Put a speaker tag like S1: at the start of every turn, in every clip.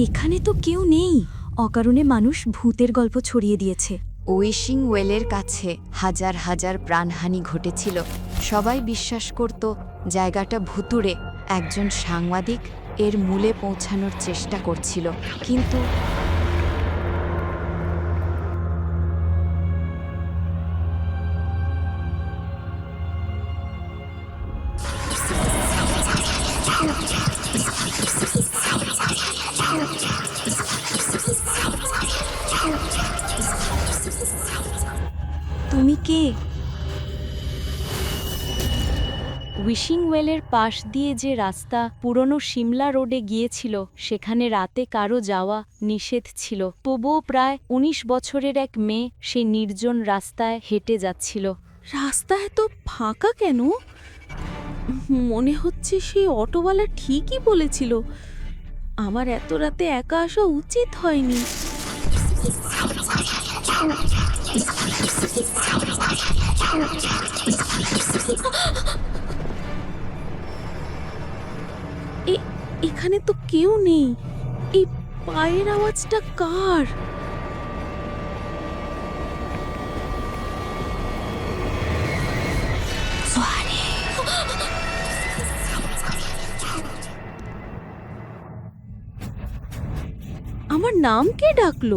S1: এখানে তো কেউ নেই। অকারণে মানুষ ভূতের গল্প ছড়িয়ে দিয়েছে।
S2: উইশিং ওয়েলের কাছে হাজার হাজার প্রাণহানি ঘটেছিল। সবাই বিশ্বাস করত জায়গাটা ভুতুড়ে। একজন সাংবাদিক এর মূলে পৌঁছানোর চেষ্টা করছিল, কিন্তু
S1: তুমি কে?
S3: উইশিং ওয়েলের পাশ দিয়ে যে রাস্তা পুরনো সিমলা রোডে গিয়েছিল, সেখানে রাতে কারো যাওয়া নিষেধ ছিল। তবুও প্রায় ১৯ বছরের এক মেয়ে সেই নির্জন রাস্তায় হেঁটে যাচ্ছিল।
S4: রাস্তা এত ফাঁকা কেন? মনে হচ্ছে সেই অটোওয়ালা ঠিকই বলেছিল, আমার এত রাতে একা আসা উচিত হয়নি। এখানে তো কেউ নেই। এই পায়ের আওয়াজটা কার? আমার নাম কে ডাকলো?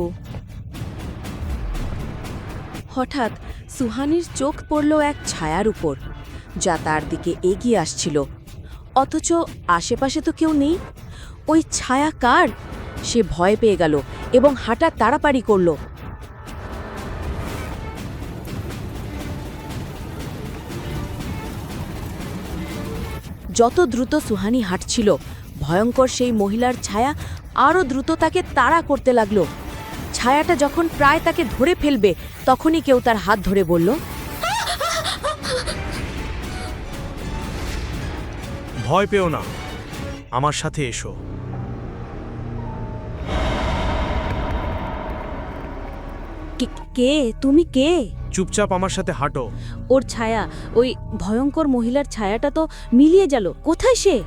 S4: হঠাৎ সুহানির চোখ পড়ল এক ছায়ার উপর, যা তার দিকে এগিয়ে আসছিল। অথচ আশেপাশে তো কেউ নেই। ওই ছায়া কার? সে ভয় পেয়ে গেল এবং হাঁটা তাড়াতাড়ি করল। যত দ্রুত সুহানি হাঁটছিল, ভয়ঙ্কর সেই মহিলার ছায়া আরও দ্রুত তাকে তাড়া করতে লাগলো। ছায়াটা যখন প্রায় তাকে ধরে ফেলবে, তখনই কেউ তার হাত ধরে বলল,
S5: ভয় পেও না, আমার সাথে এসো।
S4: কে তুমি? কে?
S5: চুপচাপ আমার সাথে হাঁটো।
S4: ওর ছায়া, ওই ভয়ঙ্কর মহিলার ছায়াটা তো মিলিয়ে গেল। কোথায় সে?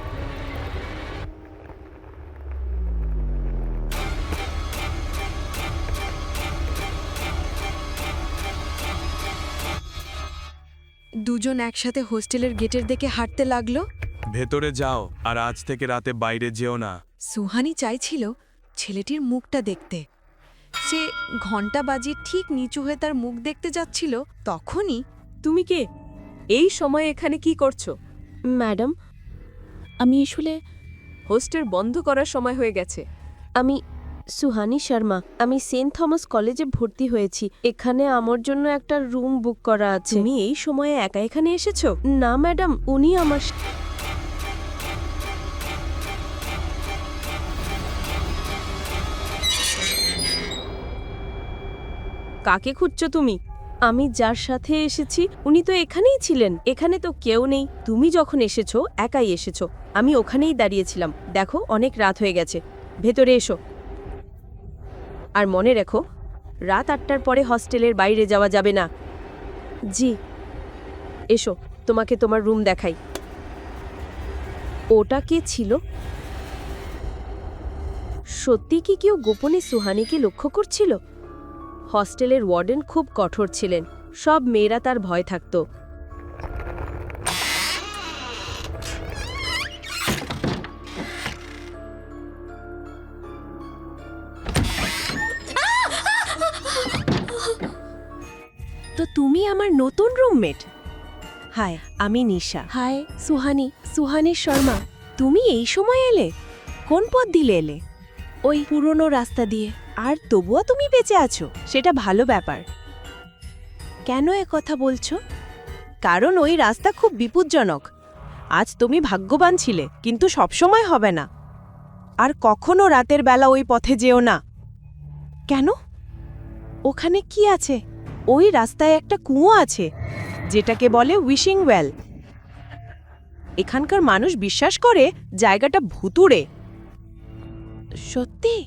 S2: দুজন একসাথে হোস্টেলের গেটের দিকে হাঁটতে লাগলো।
S5: ভেতরে যাও, আর আজ থেকে রাতে বাইরে যেও না।
S2: সুহানি চাইছিল ছেলেটির মুখটা দেখতে। সে ঘণ্টা বাজিয়ে ঠিক নিচু হয়ে তার মুখ দেখতে যাচ্ছিল, তখনই
S4: তুমি কে? এই সময়ে এখানে কি করছো? ম্যাডাম, আমি আসলে হোস্টেল বন্ধ করার সময় হয়ে গেছে। আমি সুহানি শর্মা। আমি সেন্ট থমাস কলেজে ভর্তি হয়েছি। এখানে আমার জন্য একটা রুম বুক করা আছে। তুমি এই সময়ে একা এখানে এসেছো? না ম্যাডাম, উনি আমার কাকে খুঁজছো তুমি? আমি যার সাথে এসেছি উনি তো এখানেই ছিলেন। এখানে তো কেউ নেই। তুমি যখন এসেছো একাই এসেছো। আমি ওখানেই দাঁড়িয়েছিলাম। দেখো, অনেক রাত হয়ে গেছে। ভেতরে এসো। আর মনে রেখো, রাত ৮টার পরে হস্টেলের বাইরে যাওয়া যাবে না। জি। এসো, তোমাকে তোমার রুম দেখাই। ওটা কে ছিল? সত্যি কি কেউ গোপনে সুহানিকে লক্ষ্য করছিল? হস্টেলের ওয়ার্ডেন খুব কঠোর ছিলেন। সব মেয়েরা তার ভয় থাকত। তো তুমি আমার নতুন রুমমেট? হাই, আমি নিশা। হাই, সুহানি। সুহানি শর্মা। তুমি এই সময় এলে? কোন পথ দিলে এলে? ওই পুরনো রাস্তা দিয়ে। আর তবুও তুমি বেঁচে আছো, সেটা ভালো ব্যাপার। কেন কথা বলছো? কারণ ওই রাস্তা খুব বিপজ্জনক। আজ তুমি ভাগ্যবান ছিলে, কিন্তু সবসময় হবে না। আর কখনো রাতের বেলা ওই পথে যেও না। কেন? ওখানে কি আছে? ওই রাস্তায় একটা কুয়ো আছে, যেটাকে বলে উইশিং ওয়েল। এখানকার মানুষ বিশ্বাস করে জায়গাটা ভুতুড়ে। সত্যি?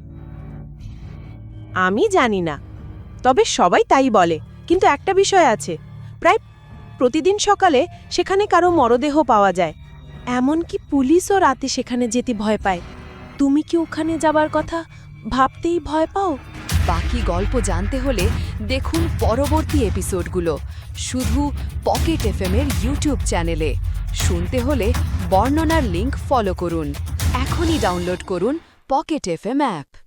S4: আমি জানি না, তবে সবাই তাই বলে। কিন্তু একটা বিষয় আছে, প্রায় প্রতিদিন সকালে সেখানে কারো মরদেহ পাওয়া যায়। এমনকি পুলিশও রাতে সেখানে যেতে ভয় পায়। তুমি কি ওখানে যাবার কথা ভাবতেই ভয় পাও?
S2: বাকি গল্প জানতে হলে দেখুন পরবর্তী এপিসোডগুলো শুধু পকেট এফএম-এর ইউটিউব চ্যানেলে। শুনতে হলে বর্ণনার লিংক ফলো করুন। এখনই ডাউনলোড করুন পকেট এফএম অ্যাপ।